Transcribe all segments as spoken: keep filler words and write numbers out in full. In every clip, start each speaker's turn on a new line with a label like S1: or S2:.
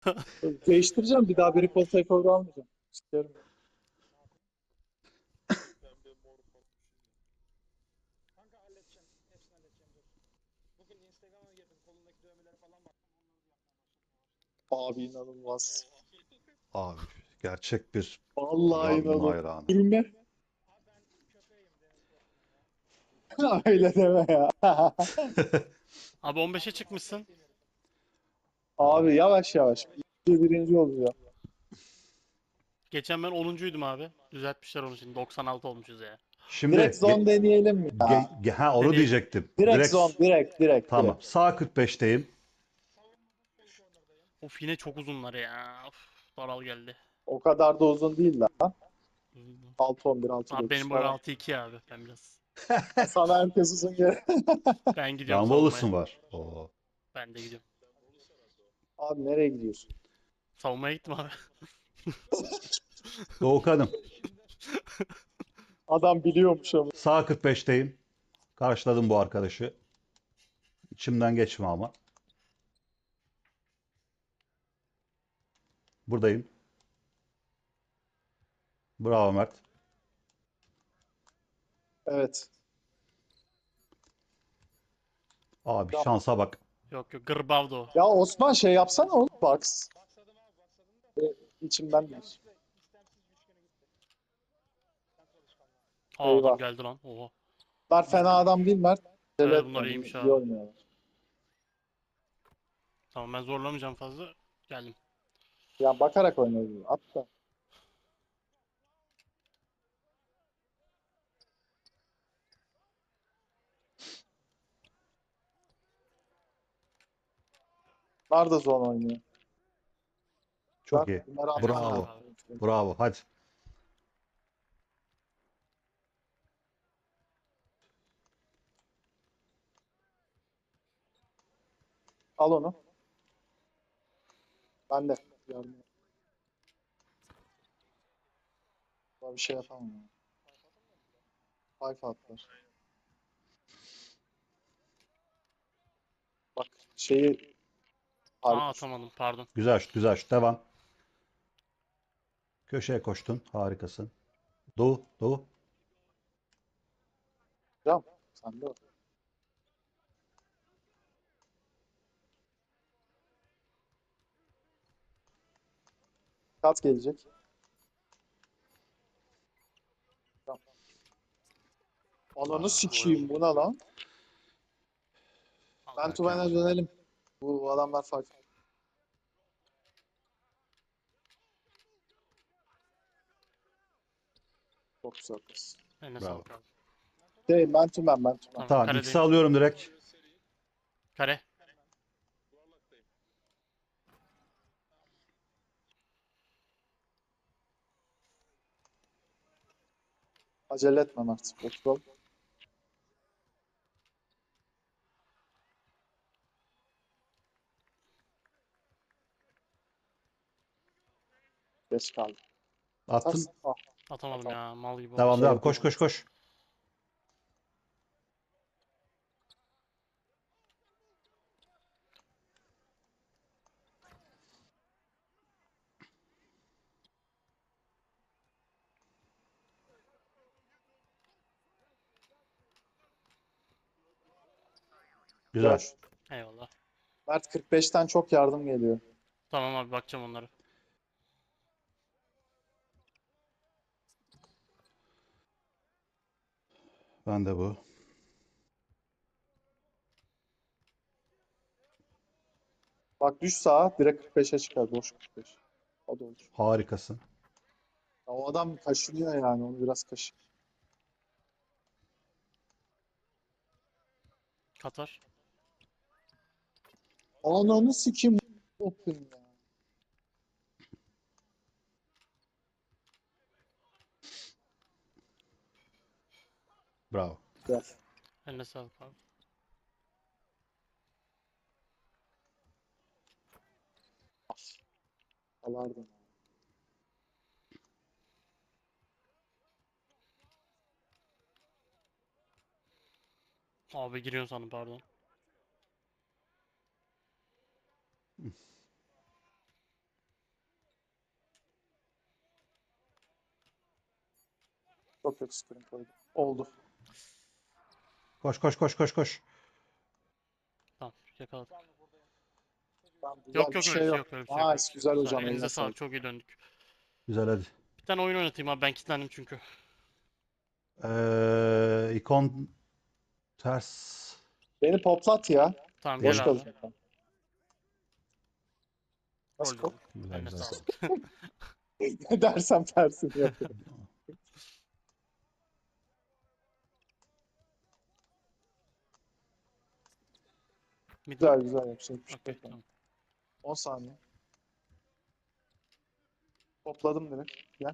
S1: Değiştireceğim. Bir daha bir recall takeover almayacağım. İsterim.
S2: Pembe mor falan.
S3: Kanka halledeceğim. Hepsini halledeceğim dur. Bugün Instagram'a girdim. Kolundaki dövmeleri falan baktım. Onları da yapmaya başladım
S1: Abi
S3: yavaş.
S1: inanılmaz.
S4: Abi gerçek bir
S1: Vallahi
S4: Robin
S1: inanılmaz.
S4: hayranı.
S1: Gülme.
S3: Abi ben köpeğim deniz korkma ya.
S1: Öyle deme ya.
S2: Abi on beşe çıkmışsın.
S1: Abi yavaş yavaş. İkinci, birinci oluyor.
S2: Geçen ben onuncuydum abi. Düzeltmişler onu şimdi. doksan altı olmuşuz ya.
S1: Direkt
S4: Şimdi
S1: zone
S4: ge-
S1: deneyelim mi
S4: ge-
S1: ya?
S4: ge- ha onu
S2: Deneyelim.
S4: diyecektim.
S1: Direkt
S4: Direkt
S1: zone. Direkt. Direkt.
S4: tamam.
S1: Direkt.
S4: Sağ kırk beşteyim.
S3: Savunmada full corner'dayım.
S2: Of yine çok uzunlar ya. Of, daral geldi.
S1: O kadar da uzun değil lan.
S2: Uzun.
S1: altı on bir, altı
S2: Abi
S1: dokuz
S2: benim boy
S1: falan.
S2: altı iki abi. Ben biraz.
S1: Sana herkes uzun gel.
S2: Ben gidiyorum
S4: Lan
S2: savunmaya.
S4: Wallace'ın var. Oo.
S2: Ben de gidiyorum.
S1: Abi nereye gidiyorsun?
S2: Savunmaya gittim abi.
S4: Doğukan'ım.
S1: Adam biliyormuş ama.
S4: Sağ kırk beşteyim. Karşıladım bu arkadaşı. İçimden geçme ama. Buradayım. Bravo Mert.
S1: Evet.
S4: Abi
S1: Ya,
S4: şansa bak.
S2: Yok yok. Gırbavdo.
S1: ya Osman şey yapsana oğlum. Box.
S3: Baksadım abi baksadım da.
S1: İçimden değil.
S3: Yanlışlıkla istemsiz üçgene gitti. Kontrol alışkanlığı.
S2: Aa adam
S1: Eyvah.
S2: geldi lan. Oha.
S1: Bunlar fena adam değil Mert. Acele
S2: Evet
S1: etme.
S2: bunlar iyiymiş
S1: İyi
S2: abi.
S1: oynuyorlar.
S2: Tamam ben zorlamayacağım fazla. Geldim.
S1: Ya bakarak oynuyorlar. At da. Bunlar da zone oynuyor.
S4: Çok
S1: Bak
S4: iyi.
S1: bunları
S2: Eline
S1: atman
S2: sağlık
S4: Bravo.
S2: abi.
S1: lazım.
S4: Bravo. Hadi.
S1: Al onu. Ben de. Yardım. Daha bir şey yapamam. Ya. Five atlar. Bak şeyi
S2: Aa
S1: harika.
S2: atamadım pardon.
S4: Güzel şut, güzel şut. Devam. Köşeye koştun. Harikasın. Doğu, Doğu.
S1: Hocam sen de o. Kat gelecek. Tamam. Ananı sikeyim bu ne lan? Ben
S2: Allah
S1: Tuven'e
S2: Kemal.
S1: dönelim. Bu, bu adamlar five. Çok güzel kız.
S2: Eline
S4: Bravo.
S2: sağlık abi.
S1: Değil ben Tümen ben Tümen.
S2: Tamam
S4: Tamam, X'i
S2: karedeyim.
S4: alıyorum direkt.
S2: Kare. Yuvarlaktayım.
S1: Acele etmem artık. Oturalım. Geç kaldı.
S4: Attın.
S1: Atarsın. Ah,
S2: Atamadım
S1: tamam.
S2: ya. Mal gibi oldu.
S4: Devam,
S1: Şey
S4: devam. Koş,
S1: yapıyorum.
S4: koş, koş.
S1: Güzel.
S4: Güzel.
S2: Eyvallah.
S1: Mert kırk beşten çok yardım geliyor.
S2: Tamam abi bakacağım onlara.
S4: Ben de bu.
S1: Bak düş sağa direkt kırk beşe çıkar. Boş kırk beş. O da olur.
S4: Harikasın.
S1: Ya o adam kaşınıyor yani. Onu biraz kaşı.
S2: Katar.
S1: Ananı sikeyim. Open ya.
S4: Bravo.
S1: Gel.
S2: Eline sağlık abi.
S1: Alardım.
S2: Abi giriyorsun sandım pardon.
S1: Çok kötü screen koydum. Oldu.
S4: Koş koş koş koş koş.
S2: Tamam yakaladık.
S3: Var mı buradayım?
S1: Tamam, güzel
S2: Yok
S1: bir
S2: yok öyle
S1: şey
S2: bir şey
S1: yok.
S2: yok öyle bir şey yok. öyle bir
S1: Nice,
S2: şey yok.
S1: güzel
S2: Güzel.
S1: hocam,
S2: Elinize
S1: eline
S2: sağlık.
S1: sağlık.
S2: Çok iyi döndük.
S4: Güzel hadi.
S2: Bir tane oyun oynatayım abi. Ben kilitlendim çünkü.
S4: Ee, ikon ters.
S1: Beni poplat ya.
S2: Tamam
S1: Boş
S2: gel abi.
S1: kalacak ben. Nasıl
S2: Rol
S1: pop?
S2: rol.
S4: Güzel
S2: Eline
S4: güzel.
S2: sağlık.
S1: Ne dersem tersini yapıyorum.
S2: Mid mi?
S1: Güzel güzel yapacak bir şey
S2: Okey
S1: yok yani.
S2: tamam.
S1: on saniye. Topladım direkt. Gel.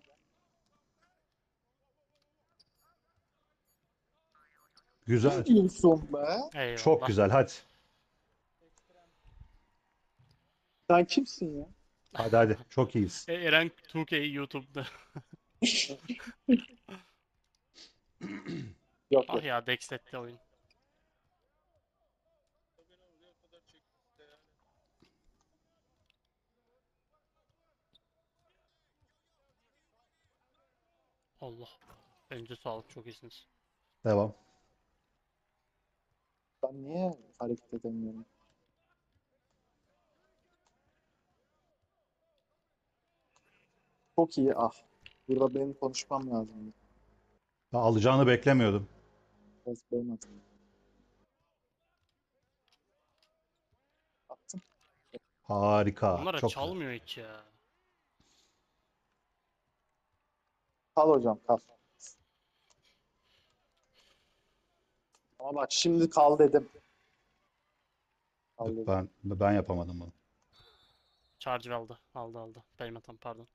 S4: Güzel.
S1: Ne diyorsun be?
S4: Çok
S2: Eyvallah.
S4: güzel hadi.
S3: Ekstrem.
S1: Sen kimsin ya?
S4: Hadi hadi. Çok iyiyiz.
S2: E, Eren iki K YouTube'da.
S1: Yok
S2: Ah
S1: yok.
S2: ya Dexet'te oyun. Allah. Elinize sağlık. Çok iyisiniz.
S4: Devam.
S1: Ben niye hareket edemiyorum? Çok iyi. Ah. Burada benim konuşmam lazım.
S4: Ben alacağını beklemiyordum.
S1: Biraz benim hatam. Attım.
S4: Harika.
S2: Bunlara
S4: Çok güzel.
S2: çalmıyor hiç ya.
S1: Kal hocam, kal. Ama bak şimdi kal dedim. Kal
S4: Yok,
S1: dedim.
S4: ben ben yapamadım bunu.
S2: Charge aldı. Aldı aldı. Benim hatam pardon.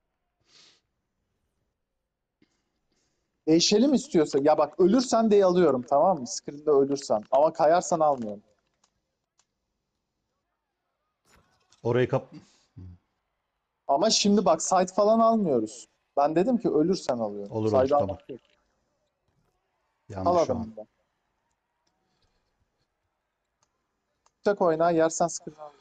S1: Değişelim istiyorsa. Ya bak, ölürsen de alıyorum, tamam mı? Screen'de ölürsen. Ama kayarsan almıyorum.
S4: Orayı kap...
S1: Ama şimdi bak, side falan almıyoruz. Ben dedim ki ölürsen alıyorum.
S4: Olur olur
S1: Side
S4: tamam.
S1: almak yok. Al
S4: Yanlış şu an.
S1: adamından. Tek oyna, yersen screen al.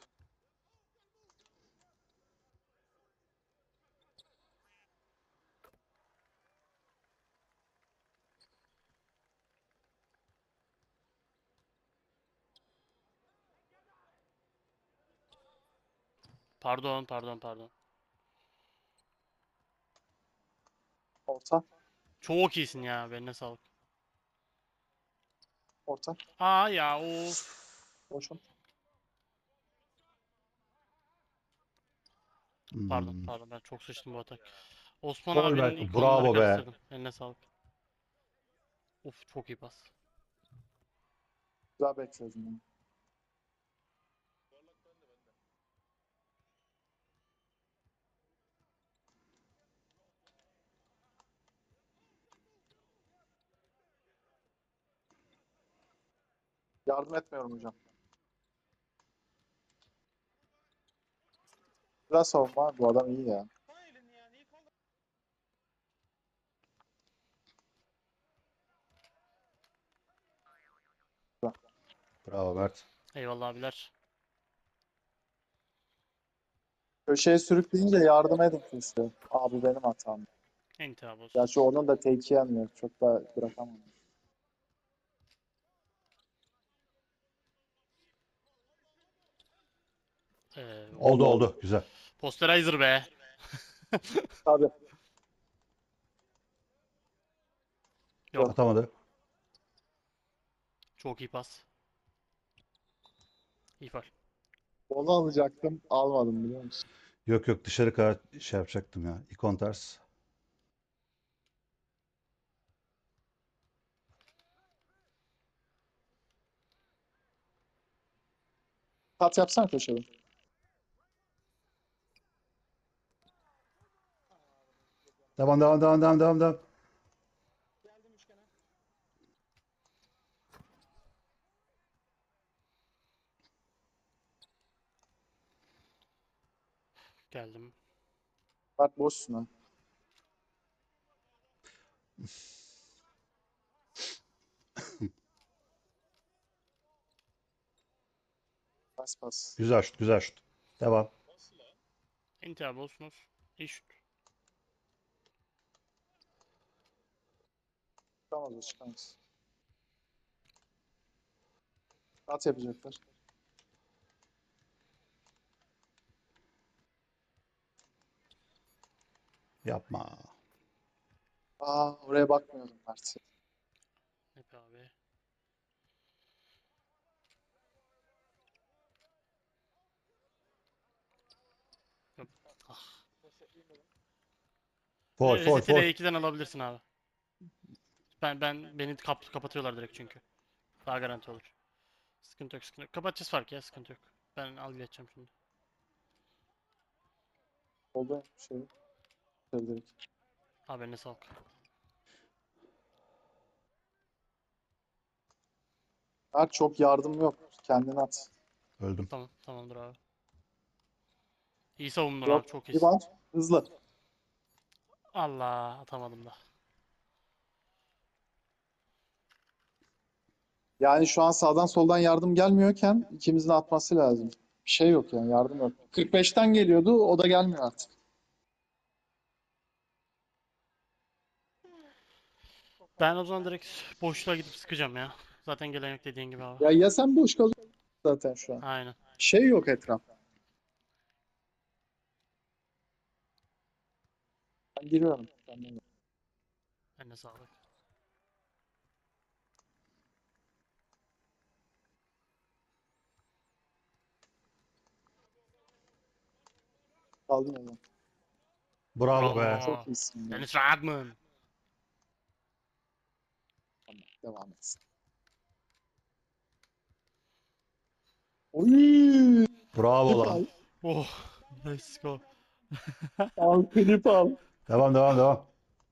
S2: Pardon pardon pardon.
S1: Orta,
S2: Çok iyisin ya. Beline sağlık.
S1: orta.
S2: Aa ya of.
S1: Boşum.
S2: Pardon
S4: Hmm.
S2: pardon ben çok sıçtım bu atak. Osman
S4: Gol
S2: abinin
S4: be.
S2: ikonları
S4: Bravo be.
S2: karıştırdım. Eline sağlık. Of çok iyi pas.
S1: Güzel bekledim. Yani. Yardım etmiyorum hocam. Biraz savunma. Bu adam iyi ya.
S3: Sağ elini yani. İyi kaldı.
S4: Bravo Mert.
S2: Eyvallah abiler.
S1: Köşeye sürükleyince yardım edin işte. Abi benim hatam.
S2: İntihar olsun.
S1: Gerçi onun da take'i yenmiyor. Çok da bırakamam.
S2: Ee,
S4: Oldu
S1: Oldu, oldu.
S4: oldu. Güzel.
S2: Posterizer be.
S1: Tabii.
S2: Yok.
S4: Atamadı.
S2: Çok iyi pas. İyi faul.
S1: Onu alacaktım. Almadım, biliyor musun?
S4: Yok yok dışarı kadar şey yapacaktım ya. İkon ters.
S1: Kat yapsana köşede.
S4: Devam devam devam devam devam devam.
S3: Geldim üçgene.
S2: Geldim.
S1: Bak boşsun ha. Pas pas.
S4: Güzel şut güzel şut. Devam.
S2: İntihar olsunuz. İyi şut.
S1: Çıkamaz o çıkamaz. At yapacaklar.
S4: Yapma.
S1: Aa oraya bakmıyorum Mert.
S2: Ne be abi. Yok. Ah.
S3: Resetleyeyim dedim.
S4: Foul foul
S2: Reset'i
S4: foul.
S2: R ikiden alabilirsin abi. Ben ben beni kap kapatıyorlar direkt çünkü. Daha garanti olur. Sıkıntı yok, sıkıntı yok. Kapatacağız fark ya, sıkıntı yok. Ben al geçeceğim şimdi.
S1: Oldu şey. Direkt.
S2: Haberine sağlık.
S1: Mert çok yardım yok. Kendin at.
S4: Öldüm.
S2: Tamam, tamamdır abi. İyi savundun
S1: Yok.
S2: abi, çok
S1: Bir
S2: iyisin.
S1: var. Hızlı.
S2: Allah, atamadım da.
S1: Yani şu an sağdan soldan yardım gelmiyorken ikimizin atması lazım. Bir şey yok yani yardım yok. kırk beşten geliyordu o da gelmiyor artık.
S2: Ben o zaman direkt boşluğa gidip sıkacağım ya. Zaten gelen yok dediğin gibi abi.
S1: Ya ya sen boş kalıyorsun zaten şu an.
S2: Aynen.
S1: Şey yok etrafta. Ben giriyorum. Tamam.
S2: Eline sağlık.
S1: Kaldım o zaman.
S4: Bravo be.
S2: Bravo.
S1: Çok iyisin ya.
S2: Dennis Rodman.
S1: Tamam, devam etsin. Oy!
S4: Bravo
S1: Klip
S4: lan.
S1: al.
S2: Oh, let's go.
S1: Al klip al.
S4: Devam devam devam.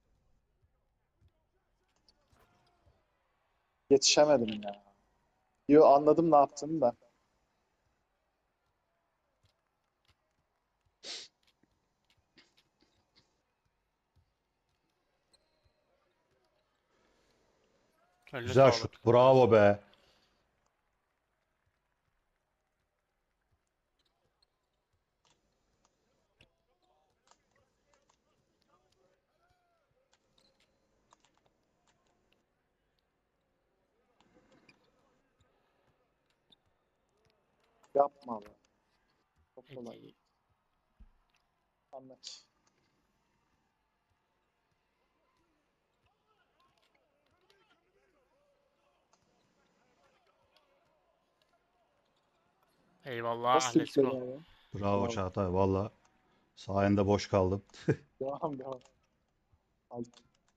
S1: Yetişemedim ya. Yo anladım ne yaptığını da.
S2: Eline
S4: Güzel
S2: sağlık.
S4: şut. Bravo be.
S1: Yapma be. Çok kolay.
S2: Peki.
S1: Anlat.
S2: Eyvallah,
S1: Nasıl
S2: let's
S1: bir
S2: go.
S1: şey ya?
S4: Bravo
S1: Bravo.
S4: Çağatay. Valla. Sayende boş kaldım.
S1: Devam devam. Aldım.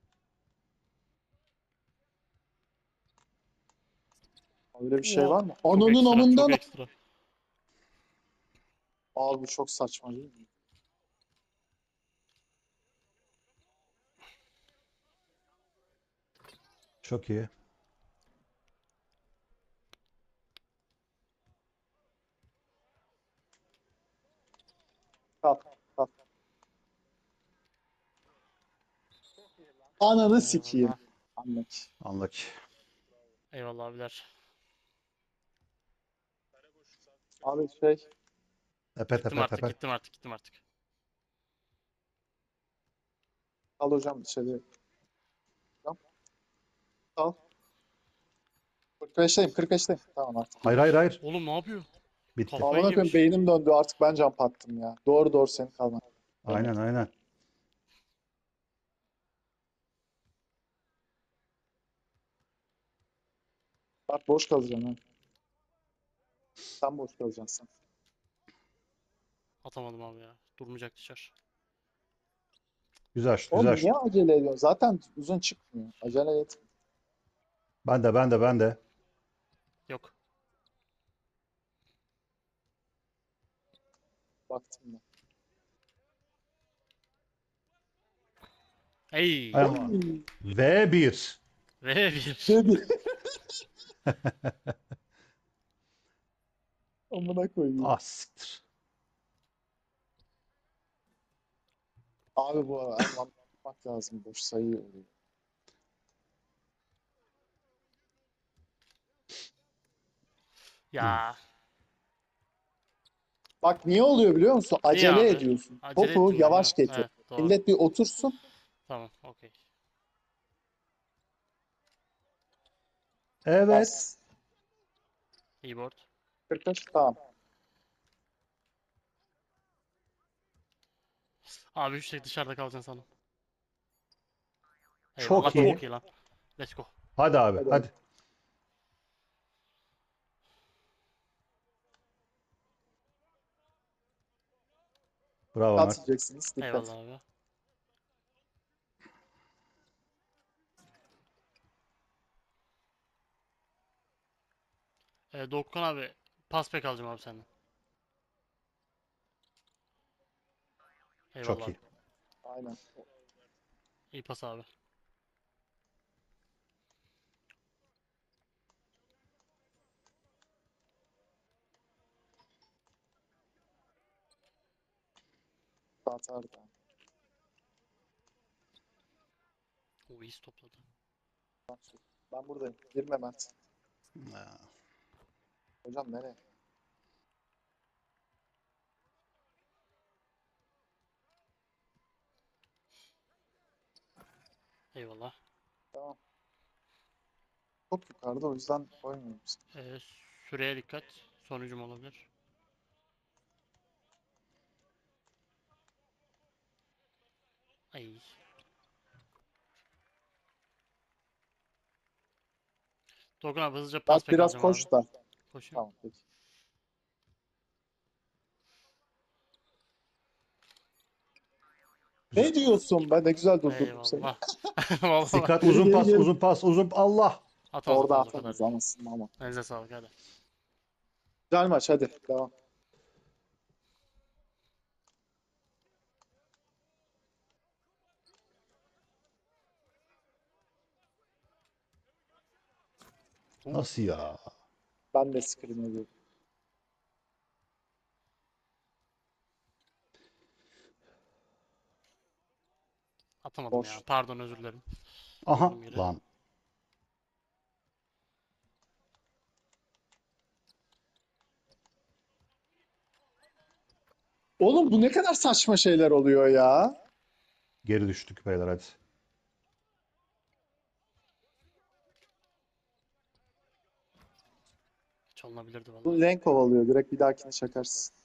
S1: Öyle bir şey
S2: Oh,
S1: var mı?
S2: çok
S1: Ananın
S2: ekstra, çok
S1: amından.
S2: ekstra.
S1: Abi bu çok saçma değil mi?
S4: Çok iyi.
S1: Kalk kalk. Ananı sikeyim.
S2: Eyvallah.
S1: Anlat.
S4: Anlık.
S2: Eyvallah abiler.
S1: Abi şey.
S4: Tepe
S2: Gittim
S4: tepe
S2: artık,
S4: tepe.
S2: gittim artık, gittim artık.
S1: Al hocam içeri. Tamam. Al. kırk beşteyim kırk beşteyim. Tamam artık.
S4: Hayır hayır hayır.
S2: Oğlum ne yapıyor?
S4: Bitti.
S2: Kafayı
S1: Amına koyayım
S2: yemiş.
S1: beynim döndü artık ben jump attım ya. Doğru doğru senin kalman.
S4: Aynen aynen.
S1: Bak boş kalacaksın ha. Sen boş kalacaksın sen.
S2: Atamadım abi ya. Durmayacak dışarı.
S4: Güzel şut
S1: Oğlum
S4: güzel şut.
S1: niye acele ediyorsun? Zaten uzun çıkmıyor. Acele et.
S4: Ben de ben de ben de.
S2: Yok.
S1: Baktım ben.
S2: Ey.
S4: Ay,
S1: Oy!
S4: ve bir.
S2: Ve bir.
S1: Dedi. Amına koyayım.
S4: Ah siktir.
S1: Abi bu arada anlatmak lazım. Boş sayı oluyor.
S2: Ya.
S1: Bak niye oluyor biliyor musun?
S2: Niye
S1: Acele
S2: abi?
S1: ediyorsun.
S2: Acele
S1: Topu
S2: ettim ben,
S1: yavaş
S2: değil mi?
S1: getir.
S2: Evet, doğru.
S1: Millet bir otursun.
S2: Tamam, okey.
S4: Evet.
S1: Bas.
S2: İyi board.
S1: kırk beş tamam.
S2: Abi üç tek dışarıda kalacaksın sandım. Eyvallah,
S4: Çok iyi.
S2: çok iyi lan. Let's go.
S4: Hadi abi
S1: Hadi.
S4: hadi. Bravo
S1: At
S4: Mert.
S1: yiyeceksiniz. Dikkat.
S2: Eyvallah abi. Ee, Doğukan abi pas pek alacağım abi senden. Eyvallah
S4: Çok
S2: abi.
S4: iyi.
S1: Aynen.
S2: İyi pas abi.
S1: Atar da.
S2: O iyi topladı.
S1: Ben buradayım. Girme Mert.
S4: Ha,
S1: Hocam nereye?
S2: Eyvallah.
S1: Tamam. Çok yukarıda o yüzden oynuyorum işte.
S2: Ee, süreye dikkat. Sonucum olabilir. Ay. Doğukan abi hızlıca pas
S1: Mert
S2: pek
S1: biraz
S2: alacağım abi.
S1: koş da.
S2: Koşayım.
S1: Tamam peki. Ne diyorsun be? Ne güzel durdurdum seni.
S2: Eyvallah. Vallahi
S4: Dikkat
S1: Geri,
S4: uzun
S1: geri,
S4: pas
S1: geri.
S4: uzun pas uzun Allah.
S2: atamaz
S1: Orada
S2: atamaz o kadar
S1: atamaz
S2: değil.
S1: amasın ama.
S2: Elinize sağlık hadi.
S1: Güzel maç hadi. Devam.
S4: Nasıl ya?
S1: Ben de screen ediyorum.
S2: Atamadım
S1: Boş.
S2: ya. Pardon, özür dilerim.
S4: Aha
S2: Durdum yere.
S4: lan.
S1: Oğlum bu ne kadar saçma şeyler oluyor ya.
S4: Geri düştük beyler hadi.
S2: Çalınabilirdi valla.
S1: Bu lane kovalıyor. Direkt bir dahakine çakarsın.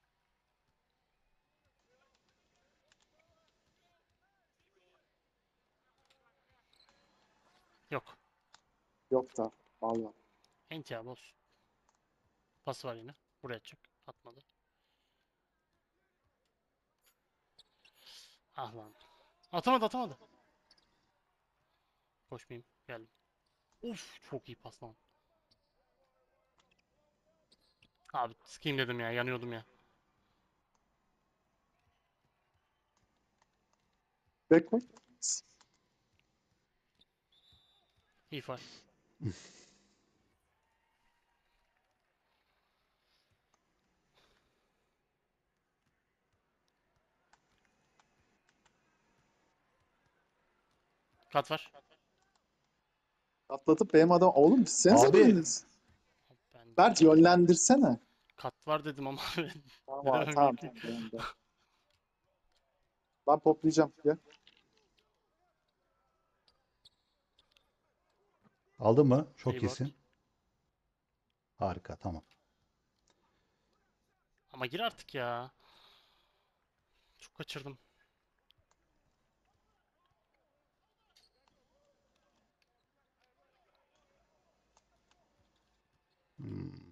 S2: Yok.
S1: Yok da. Vallahi.
S2: Enti abi olsun. Pası var yine. Buraya atacak. Atmadı. Ah lan. Atamadı atamadı. Koşmayayım. Geldim. Uf, çok iyi pas lan. Abi sıkayım dedim ya. Yanıyordum ya.
S1: Back koy.
S2: İyi faul. Kat var.
S1: Atlatıp benim adam. Oğlum gitsenize
S4: Abi.
S1: biriniz.
S2: Ben
S1: Berk yönlendirsene.
S2: kat var dedim ama ne
S1: Tamam
S2: demem
S1: tamam
S2: gerekiyor.
S1: tamam. Devam, devam. Ben poplayacağım. Gel.
S4: Aldın mı? Çok
S2: İyi board.
S4: iyisin. Harika tamam.
S2: Ama gir artık ya. Çok kaçırdım.
S4: Hmm.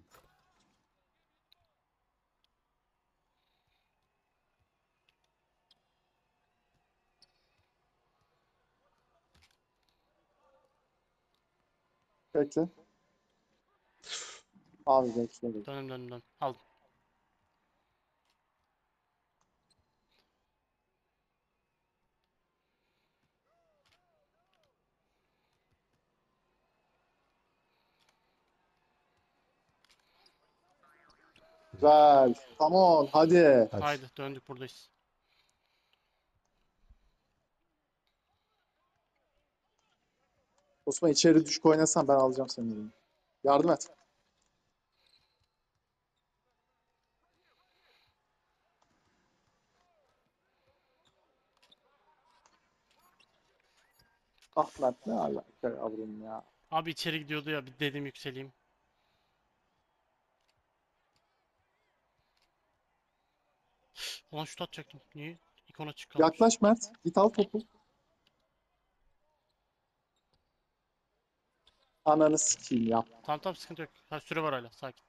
S1: Bekle. Abi bekle. bekle.
S2: Dönüm dönüm dön. Aldım.
S1: Güzel. Come on. Hadi.
S4: Hadi.
S2: Haydi döndük, buradayız.
S1: Osman içeri düşük oynasan ben alacağım seni. dedim. Yardım et. Ah Mert ne alaka yavrum ya.
S2: Abi içeri gidiyordu ya, bir dedim yükseleyim. Ulan şut atacaktım. Niye? İkon açık kalmış.
S1: Yaklaş Mert. Git al topu. Ananı sikeyim ya.
S2: Tamam tamam, sıkıntı yok. Ha, süre var hala, sakin.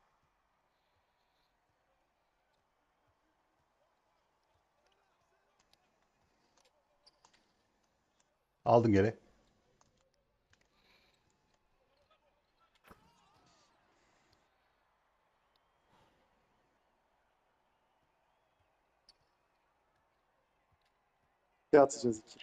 S4: Aldın geri.
S1: İki atacağız iki.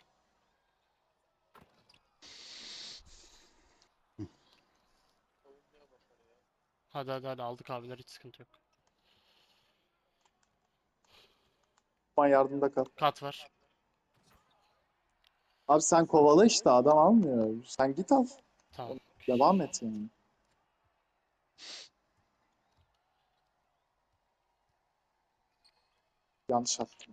S2: Hadi hadi hadi, aldık abiler, hiç sıkıntı yok.
S1: Aman yardımda kal.
S2: Kat var.
S1: Abi sen kovala işte, adam almıyor. Sen git al.
S2: Tamam.
S1: Devam et yani. Yanlış attım.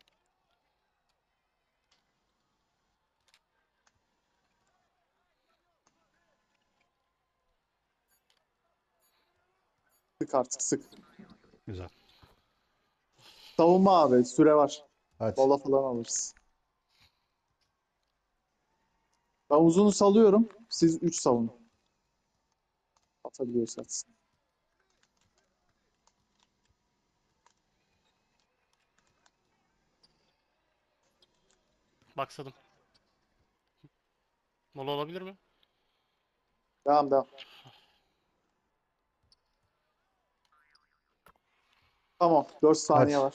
S1: Sık artık sık.
S4: Güzel.
S1: Savunma abi. Süre var.
S4: Hadi.
S1: Bola falan alırız. Ben uzunu salıyorum. Siz üç savunun. Atabiliyorsanız.
S2: Baksadım. Mola olabilir mi?
S1: Devam devam. Tamam. dört saniye
S4: Hadi.
S1: var.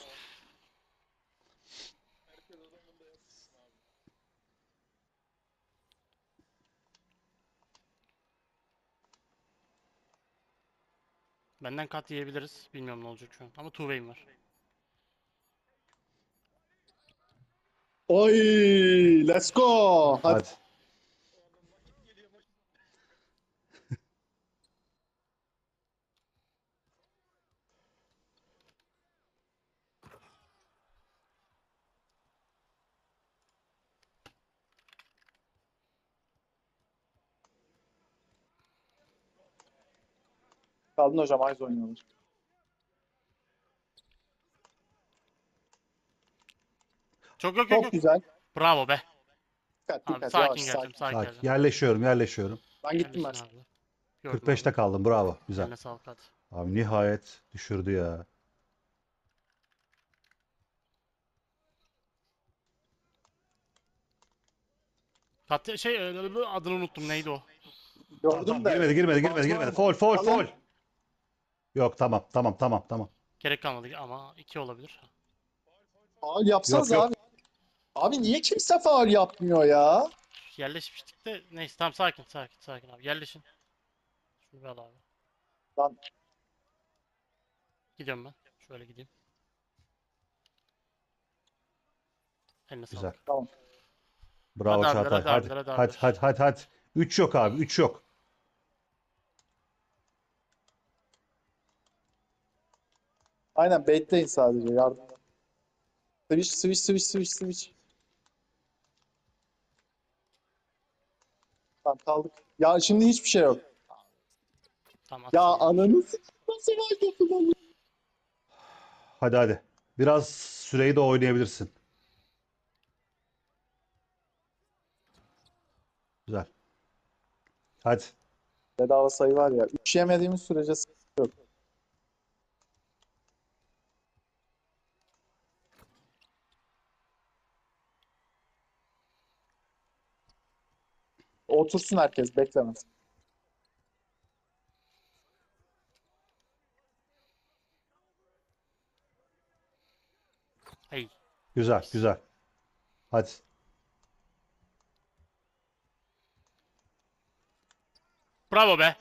S2: Benden kat yiyebiliriz. Bilmiyorum ne olacak şu an. Ama two way'im var.
S1: Oy, let's go. Hadi.
S4: Hadi.
S1: Kaldın hocam. Ayz oynuyorlar.
S2: Çok yok yok
S1: Çok
S2: yok.
S1: güzel.
S2: Bravo be.
S1: Dikkat
S2: Abi
S1: dikkat.
S2: sakin
S1: Yavaş
S2: geleceğim,
S1: sakin.
S2: sakin
S4: Sakin.
S2: geleceğim.
S4: Yerleşiyorum, yerleşiyorum.
S1: Ben gittim
S2: Yerleşin
S1: ben.
S2: abi. Gördüm
S4: kırk beşte
S2: abi.
S4: kaldım. Bravo. Güzel.
S2: Eline sağlık, hadi.
S4: Abi nihayet düşürdü ya.
S2: Kat şey e, adını unuttum, neydi o?
S4: Tamam,
S1: Gördüm
S4: tamam.
S1: de.
S4: Girmedi, girmedi, girmedi, girmedi. Foul, foul,
S1: Alın.
S4: foul. Yok, tamam, tamam, tamam, tamam.
S2: Gerek kalmadı ama iki olabilir.
S1: Faul yapsanız
S4: Yok, yok.
S1: abi. Abi niye kimse faul yapmıyor ya?
S2: Yerleşmiştik de neyse, tamam, sakin sakin sakin abi, yerleşin. Şunu bir al abi.
S1: Lan
S2: Gidiyorum ben. Şöyle gideyim. Eline
S4: Güzel.
S2: sağlık.
S1: tamam.
S4: Bravo
S2: Hadi abiler,
S4: Çağatay.
S2: hadi
S4: Hadi.
S2: abiler, hadi
S4: Hadi,
S2: abiler.
S4: hadi, hadi, hadi. üç yok abi, üç yok.
S1: Aynen bekleyin sadece. Yardım. Switch switch switch switch switch. Tamam kaldık. Ya şimdi hiçbir şey yok.
S2: Tamam,
S1: Ya
S2: atsın.
S1: ananı s- nasıl var yapılan?
S4: Hadi, hadi. Biraz süreyi de oynayabilirsin. Güzel. Hadi.
S1: Bedava sayı var ya. Üç yemediğimiz sürece sıkıntı yok. Otursun herkes beklemez.
S2: Hey.
S4: Güzel, güzel. Hadi.
S2: Bravo be.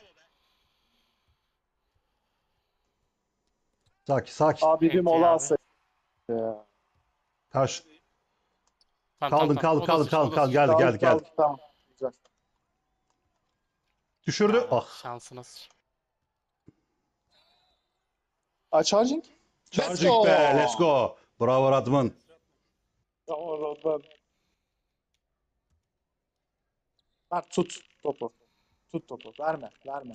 S4: Sakin, sakin.
S1: Abi bir
S2: Enti
S1: mola
S2: abi.
S1: alsaydı ya.
S4: Karşı.
S2: Tamam
S4: Kaldın,
S2: tamam tamam.
S4: kaldın,
S2: O da
S4: kaldın,
S2: sıçtı,
S4: kaldın,
S2: o da
S4: kaldın.
S2: sıçtı.
S4: Geldi, geldi,
S1: Kaldık
S4: geldi.
S1: kaldık tamam. Güzel.
S4: Düşürdü.
S2: Ya,
S4: Ah.
S2: şansına sıç.
S1: Aa, charging. Let's
S4: Charging
S1: go.
S4: be. Let's go. Bravo Radman.
S1: Tamam Rodman. Mert tut topu. Tut topu. Verme. Verme.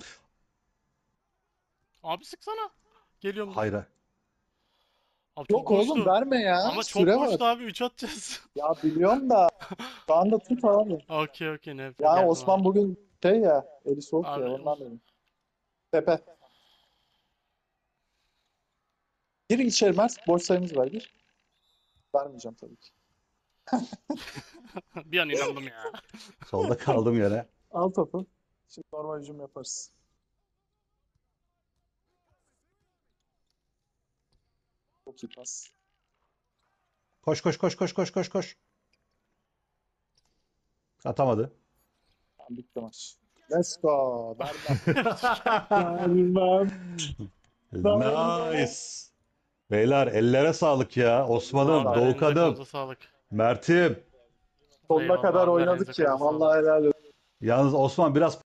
S2: Abi sıksana. Geliyorum. dur.
S4: Hayır.
S2: Abi çok
S1: Yok oğlum
S2: boştu.
S1: verme ya.
S2: Ama çok
S1: Süre
S2: boştu
S1: var.
S2: abi. üç atacağız.
S1: Ya biliyorum da şu anda tut abi.
S2: Okey okey ne
S1: Ya
S2: geldim
S1: Osman
S2: abi.
S1: bugün şey ya eli soğuk
S2: Abi,
S1: ya ondan dedim. Tepe. Gir içeri Mert. Boş sayımız var gir. Vermeyeceğim tabii ki.
S2: Bir an inandım ya.
S4: Solda kaldım yine.
S1: Al topu. Şimdi normal hücum yaparız. Çok iyi pas.
S4: Koş koş koş koş koş koş koş. Atamadı.
S1: Tamam, bitti maç. Let's go. Vermem. Vermem.
S4: Nice. Beyler ellere sağlık ya. Osman'ım,
S2: Vallahi elinize
S4: Doğukan'ım,
S2: kolunuza sağlık.
S4: Mert'im.
S1: Sonuna
S2: Eyvallah
S1: kadar
S2: abi,
S1: oynadık
S2: elinize
S1: ya.
S2: kolunuza sağlık.
S1: Vallahi helal olsun.
S4: Yalnız Osman biraz